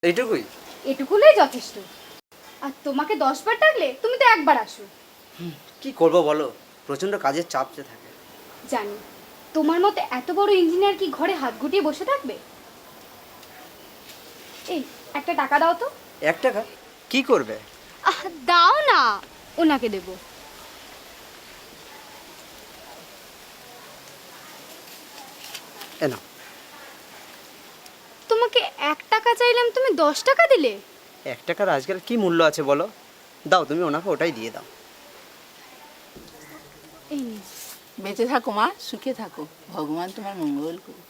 এইটুকুই? এটুকুলেই যথেষ্ট। আর তোমাকে 10 বার ডাকলে তুমি তো একবার আসো। কি করব বলো, প্রচন্ড কাজের চাপ যে থাকে। জানি, তোমার মতো এত বড় ইঞ্জিনিয়ার কি ঘরে হাত গুটিয়ে বসে থাকবে? এই একটা টাকা দাও তো। 1 টাকা? কি করবে? দাও না, ওনাকে দেব। এনো। তোমাকে 1 টাকা চাইলাম, তুমি 10 টাকা দিলে। 1 টাকার আজকাল কি মূল্য আছে বলো? দাও, তুমি ওনাকে ওটাই দিয়ে দাও। এই নিন। বেঁচে থাকো মা, সুখে থাকো, ভগবান তোমার মঙ্গল করুক।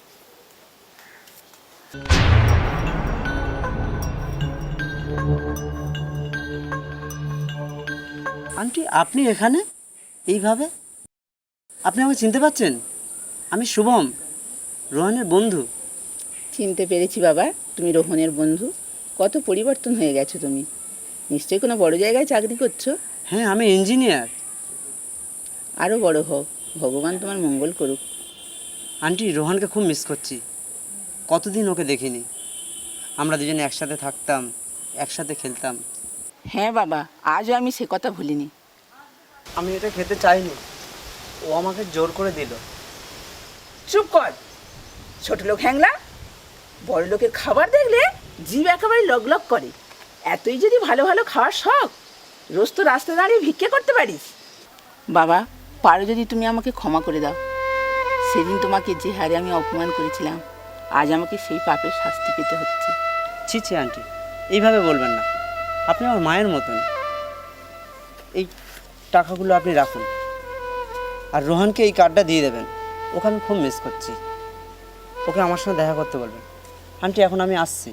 আন্টি, আপনি এখানে এইভাবে? আপনি আমাকে চিনতে পারছেন? আমি শুভম, রোহানের বন্ধু। চিনতে পেরেছি বাবা, তুমি রোহনের বন্ধু। কত পরিবর্তন হয়ে গেছো তুমি। নিশ্চয়ই কোনো বড় জায়গায় চাকরি করছো। হ্যাঁ, আমি ইঞ্জিনিয়ার। আরও বড় হও, ভগবান তোমার মঙ্গল করুক। আন্টি, রোহানকে খুব মিস করছি। কতদিন ওকে দেখিনি। আমরা দুজনে একসাথে থাকতাম, একসাথে খেলতাম। হ্যাঁ বাবা, আজও আমি সে কথা ভুলিনি। আমি এটা খেতে চাইনি, ও আমাকে জোর করে দিল। চুপ কর, ছোট লোক হ্যাংলা। বড় লোকের খাবার দেখলে জিভ একেবারে লগলগ করে। এতই যদি ভালো ভালো খাওয়ার শখ, রোজ তো রাস্তা দাঁড়িয়ে ভিক্ষে করতে পারিস। বাবা, পারো যদি তুমি আমাকে ক্ষমা করে দাও। সেদিন তোমাকে যে হারে আমি অপমান করেছিলাম, আজ আমাকে সেই পাপের শাস্তি পেতে হচ্ছে। ছি ছি আন্টি, এইভাবে বলবেন না। আপনি আমার মায়ের মতন। এই টাকাগুলো আপনি রাখুন, আর রোহানকে এই কার্ডটা দিয়ে দেবেন। ওকে আমি খুব মিস করছি। ওকে আমার সঙ্গে দেখা করতে বলবেন। আন্টি, এখন আমি আসছি।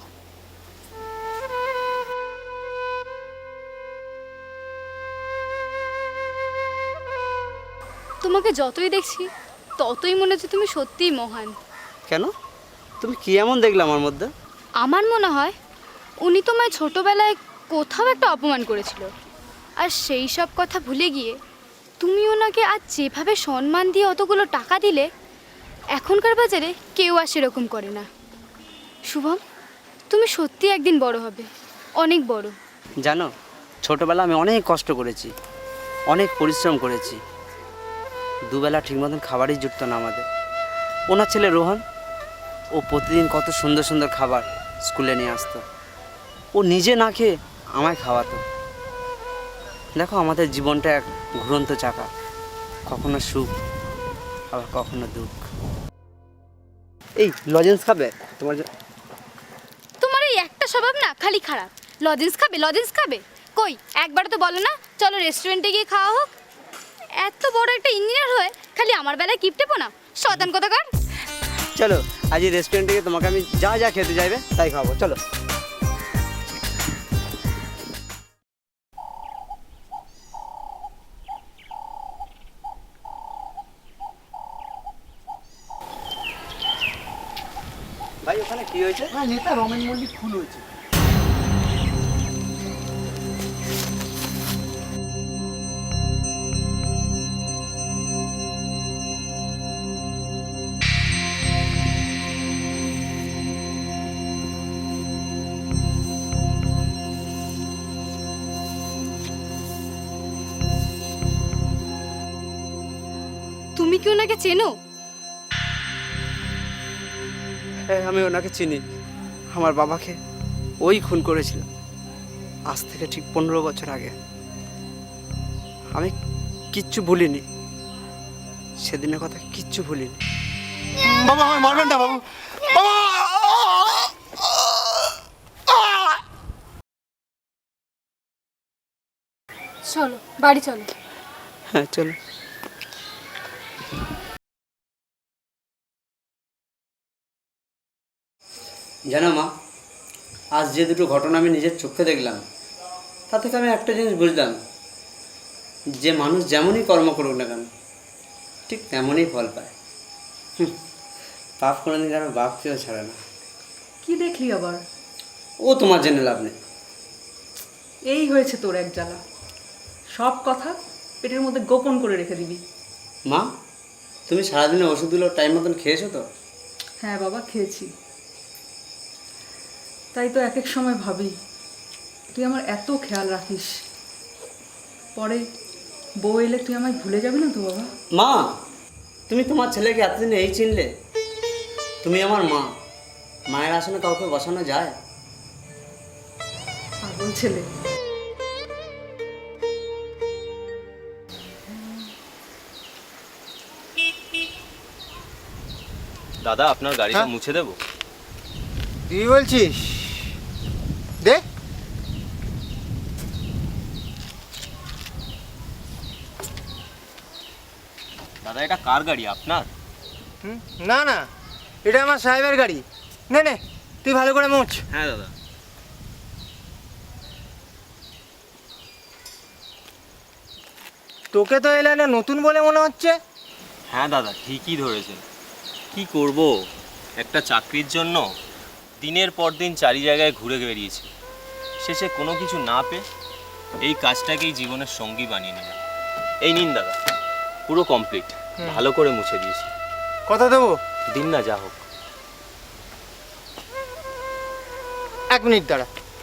তোমাকে যতই দেখছি ততই মনে হচ্ছে তুমি সত্যিই মহান। কেন? তুমি কি এমন দেখলে আমার মধ্যে? আমার মনে হয় উনি তোমায় ছোটবেলায় কোথাও একটা অপমান করেছিল, আর সেই সব কথা ভুলে গিয়ে তুমি ওনাকে আজ যেভাবে সম্মান দিয়ে অতগুলো টাকা দিলে, এখনকার বাজারে কেউ আর সেরকম করে না। শুভম, তুমি সত্যি একদিন বড় হবে, অনেক বড়। জানো, ছোটোবেলা আমি অনেক কষ্ট করেছি, অনেক পরিশ্রম করেছি। দুবেলা ঠিক মতন খাবারই জুটতো না আমাদের। ওনার ছেলে রোহন, ও প্রতিদিন কত সুন্দর সুন্দর খাবার স্কুলে নিয়ে আসতো। ও নিজে না খেয়ে আমায় খাওয়াতো। দেখো, আমাদের জীবনটা এক ঘুরন্ত চাকা, কখনো সুখ আবার কখনো দুঃখ। এই লজেন্স খাবে তোমার? তোমার এই একটা স্বভাব না খালি খারাপ। লজেন্স খাবে, লজেন্স খাবে, কই একবারও তো বলো না চলো রেস্টুরেন্টে গিয়ে খাওয়া হোক। এত বড় একটা ইঞ্জিনিয়ার হয়ে খালি আমার বেলায় কিপটেপো না, শয়তান কোথাকার। চলো, আজ এই রেস্টুরেন্টে গিয়ে তোমাকে আমি যা যা খেতে চাইবে তাই খাবো। চলো। ভাই, ওখানে কি হয়েছে? নেতা রমেন মল্লিক খুন হয়েছে। তুমি কি ওনাকে চেনো? হ্যাঁ, আমি ওনাকে চিনি। আমার বাবাকে ওই খুন করেছিল আজ থেকে ঠিক 15 বছর আগে। আমি কিচ্ছু ভুলিনি, সেদিনের কথা কিচ্ছু ভুলিনি। বাবা, আমায় মারবেন না বাবু। বাবা! চলো বাড়ি চলো। হ্যাঁ, চলো। জানো মা, আজ যে দুটো ঘটনা আমি নিজের চোখে দেখলাম, তা থেকে আমি একটা জিনিস বুঝলাম, যে মানুষ যেমনই কর্ম করুক না কেন ঠিক তেমনই ফল পায়। পাপ কোনোদিন কারো বাপকেও ছাড়ে না। কি দেখলি আবার? ও তোমার জেনে লাভ নেই। এই হয়েছে তোর এক জ্বালা। সব কথা পেটের মধ্যে গোপন করে রেখে দিবি। মা, তুমি সারাদিনে ওষুধগুলো টাইম মতন খেয়েছো তো? হ্যাঁ বাবা, খেয়েছি। তাই তো এক এক সময় ভাবি তুই আমার এত খেয়াল রাখিস, পরে বউ এলে তুই আমায় ভুলে যাবি না তো বাবা? মা, তুমি তোমার ছেলেকে এতদিন এই চিনলে? তুমি আমার মা, মায়ের আসনে কাউকে বসানো যায়? পাগল ছেলে। দাদা আপনার গাড়িটা হ্যাঁ? মুছে দেবো? তুই বলছিস? দে। দাদা এটা কার গাড়ি, আপনার? না না, এটা আমার সাহেবের গাড়ি। নে নে, তুই ভালো করে মোছ। হ্যাঁ দাদা। তোকে তো এলে না নতুন বলে মনে হচ্ছে। হ্যাঁ দাদা ঠিকই ধরেছেন। কি করব, একটা চাকরির জন্য দিনের পর দিন চারি জায়গায় ঘুরে বেরিয়েছি, শেষে কোনো কিছু না পেয়ে এই কাজটাকেই জীবনের সঙ্গী বানিয়ে নিলাম। এই নিন দাদা, পুরো কমপ্লিট, ভালো করে মুছে দিয়েছি। কথা দেবো? দিন না, যা হোক। 1 মিনিট দাঁড়া।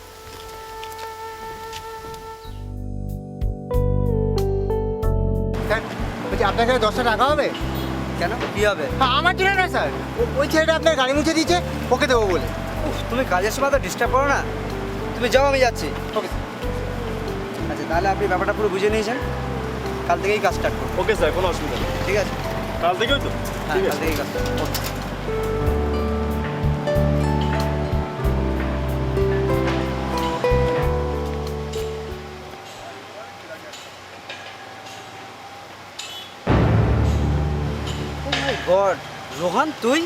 স্যার বলছি, আপনার কাছে 10টা টাকা হবে? কেন, কি হবে? আমার জন্য না স্যার, ওই ছেলেটা আপনার গাড়ি মুছে দিয়েছে, ওকে দেবো বলে। উফ, তুমি কাজের সময় তো ডিস্টার্ব করো না। তুমি যাও, আমি যাচ্ছি। ওকে আচ্ছা, তাহলে আপনি ব্যাপারটা পুরো বুঝে নিয়েছেন, কাল থেকেই কাজ স্টার্ট করবো। ওকে স্যার, কোনো অসুবিধা নেই। ঠিক আছে? কাল থেকেই তো? হ্যাঁ, কাল থেকেই কাজ start করবো। Oh my God, রোহান তুই?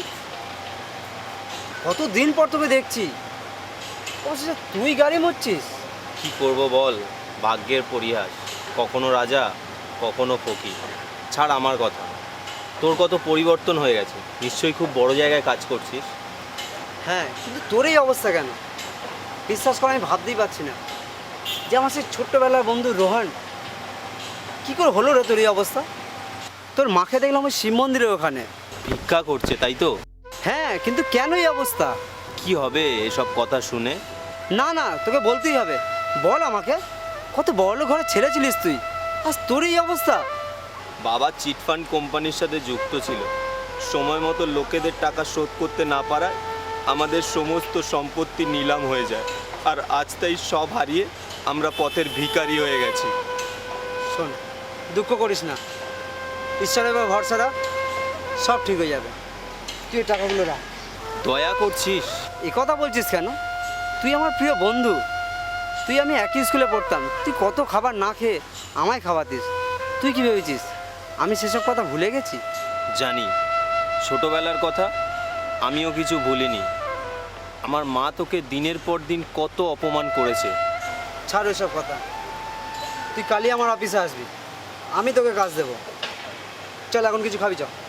কতদিন পর তোকে দেখছি। অবশেষে তুই গাড়ি মুছছিস? কি করব বল, ভাগ্যের পরিহাস, কখনো রাজা কখনো ফকির। ছাড় আমার কথা, তোর কত পরিবর্তন হয়ে গেছে, নিশ্চয়ই খুব বড় জায়গায় কাজ করছিস। হ্যাঁ, কিন্তু তোর এই অবস্থা কেন? বিশ্বাস করা আমি ভাবতেই পারছি না যে আমার সেই ছোট্টবেলার বন্ধু রোহান, কি করে হলো রে তোর এই অবস্থা? তোর মাকে দেখলাম ওই শিব মন্দিরের ওখানে। ভিক্ষা করছে তাই তো? হ্যাঁ, কিন্তু কেন এই অবস্থা? কি হবে এসব কথা শুনে? না না, তোকে বলতেই হবে। বল আমাকে, কত বড় ঘরে ছেড়েছিলিস তুই, আজ তোর এই অবস্থা? বাবা চিটফান্ড কোম্পানির সাথে যুক্ত ছিল, সময় মতো লোকেদের টাকা শোধ করতে না পারায় আমাদের সমস্ত সম্পত্তি নিলাম হয়ে যায়, আর আজ তাই সব হারিয়ে আমরা পথের ভিখারি হয়ে গেছি। শোন, দুঃখ করিস না, ঈশ্বরের উপর ভরসা রাখ, সব ঠিক হয়ে যাবে। তুই এই টাকাগুলো রাখ। দয়া করছিস? এ কথা বলছিস কেন? তুই আমার প্রিয় বন্ধু, তুই আমি একই স্কুলে পড়তাম, তুই কত খাবার না খেয়ে আমায় খাওয়াতিস। তুই কি ভেবেছিস আমি সেসব কথা ভুলে গেছি? জানি, ছোটবেলার কথা আমিও কিছু ভুলিনি। আমার মা তোকে দিনের পর দিন কত অপমান করেছে। ছাড় ওইসব কথা, তুই কালই আমার অফিসে আসবি, আমি তোকে কাজ দেবো। চল, এখন কিছু খাবি, চল।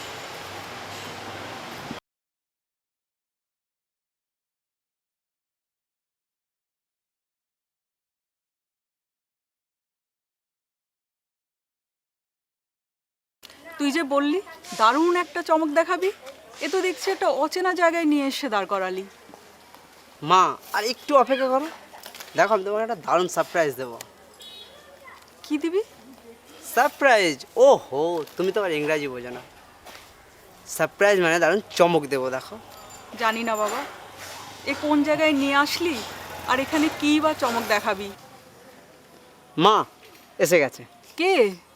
তুই যে বললি দারুণ একটা চমক দেখাবি, এ তো দেখছি একটা অচেনা জায়গায় নিয়ে এসে দাঁড় করালি। মা, আর একটু অপেক্ষা করো, দেখো আমি তোমাকে একটা দারুণ সারপ্রাইজ দেবো। কি দিবি? সারপ্রাইজ? ও হো, তুমি তো আর ইংরাজি বোঝো না। সারপ্রাইজ মানে দারুণ চমক দেবো, দেখো। জানি না বাবা, এ কোন জায়গায় নিয়ে আসলি, আর এখানে কি বা চমক দেখাবি? মা এসে গেছে। কে?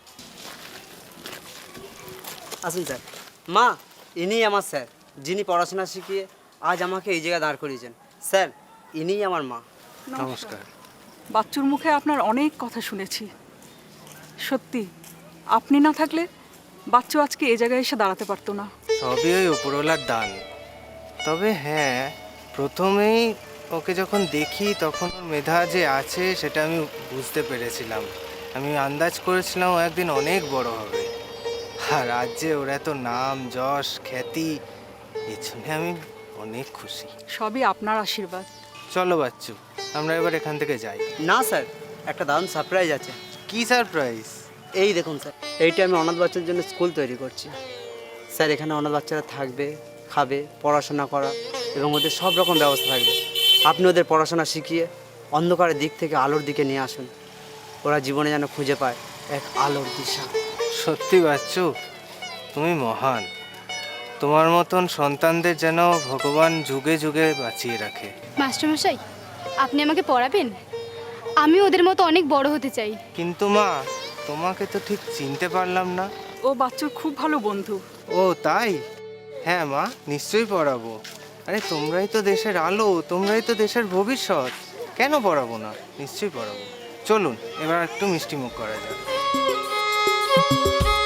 আসুন স্যার। মা, ইনিই আমার স্যার, যিনি পড়াশোনা শিখিয়ে আজ আমাকে এই জায়গায় দাঁড় করিয়েছেন। স্যার, ইনিই আমার মা। নমস্কার। বাচ্চুর মুখে আপনার অনেক কথা শুনেছি, সত্যি আপনি না থাকলে বাচ্চু আজকে এই জায়গায় এসে দাঁড়াতে পারতো না। সবই ওই উপরওয়ালার দান। তবে হ্যাঁ, প্রথমেই ওকে যখন দেখি তখন ওর মেধা যে আছে সেটা আমি বুঝতে পেরেছিলাম। আমি আন্দাজ করেছিলাম ও একদিন অনেক বড় হবে, আর আজ যে ওর এত নাম যশ খ্যাতি, এর জন্য আমি অনেক খুশি। সবই আপনার আশীর্বাদ। চলো বাচ্চু, আমরা এবার এখান থেকে যাই। না স্যার, একটা দারুণ সারপ্রাইজ আছে। কি সারপ্রাইজ? এই দেখুন স্যার, এইটা আমি অনাথ বাচ্চার জন্য স্কুল তৈরি করছি। স্যার, এখানে অনাথ বাচ্চারা থাকবে, খাবে, পড়াশোনা করা এবং ওদের সব রকম ব্যবস্থা থাকবে। আপনি ওদের পড়াশোনা শিখিয়ে অন্ধকারের দিক থেকে আলোর দিকে নিয়ে আসুন। ওরা জীবনে যেন খুঁজে পায় এক আলোর দিশা। সত্যি বাচ্চু, তুমি মহান। তোমার মতন সন্তানদের যেন ভগবান যুগে যুগে বাঁচিয়ে রাখে। মাস্টারমশাই, আপনি আমাকে পড়াবেন? আমি ওদের মতো অনেক বড় হতে চাই। কিন্তু মা, তোমাকে তো ঠিক চিনতে পারলাম না। ও বাচ্চুর খুব ভালো বন্ধু। ও তাই? হ্যাঁ মা, নিশ্চয়ই পড়াবো। আরে তোমরাই তো দেশের আলো, তোমরাই তো দেশের ভবিষ্যৎ, কেন পড়াবো না? নিশ্চয়ই পড়াবো। চলুন এবার একটু মিষ্টি মুখ করা যাক।